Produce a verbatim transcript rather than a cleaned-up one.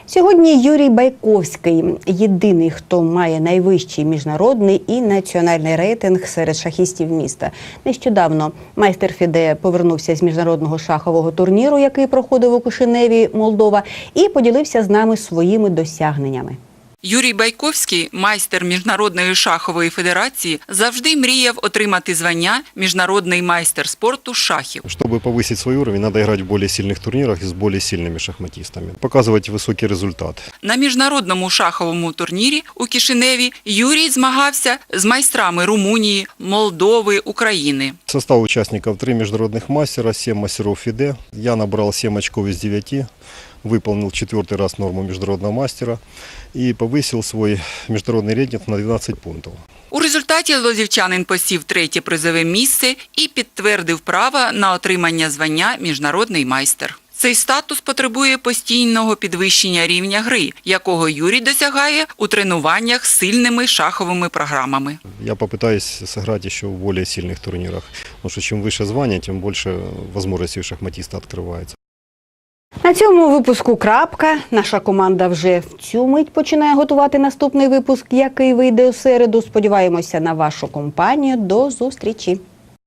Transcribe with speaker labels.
Speaker 1: Сьогодні Юрій Байковський – єдиний, хто має найвищий міжнародний і національний рейтинг серед шахістів міста. Нещодавно майстер ФІДЕ повернувся з міжнародного шахового турніру, який проходив у Кишиневі, Молдова, і поділився з нами своїми досягненнями.
Speaker 2: Юрій Байковський, майстер Міжнародної шахової федерації, завжди мріяв отримати звання «Міжнародний майстер спорту шахів».
Speaker 3: Чтобы повысить свой уровень, надо играть в более сильных турнирах и с более сильными шахматистами, показывать высокий результат.
Speaker 2: На міжнародному шаховому турнірі у Кишиневі Юрій змагався з майстрами Румунії, Молдови, України.
Speaker 3: Состав участников три международных мастера, семь мастеров ФИДЕ. Я набрал семь очков из девяти, выполнил четвертый раз норму международного мастера и повысил свой международный рейтинг на двенадцать пунктов.
Speaker 2: У результаті лозівчанин посів третє призове місце і підтвердив право на отримання звання «Міжнародний майстер». Цей статус потребує постійного підвищення рівня гри, якого Юрій досягає у тренуваннях з сильними шаховими програмами.
Speaker 3: Я попытаюсь сыграть еще в более сильных турнирах, потому что чем выше звание, тем больше возможностей у шахматиста открывается.
Speaker 1: На цьому випуску крапка. Наша команда вже в цю мить починає готувати наступний випуск, який вийде у середу. Сподіваємося на вашу компанію. До зустрічі!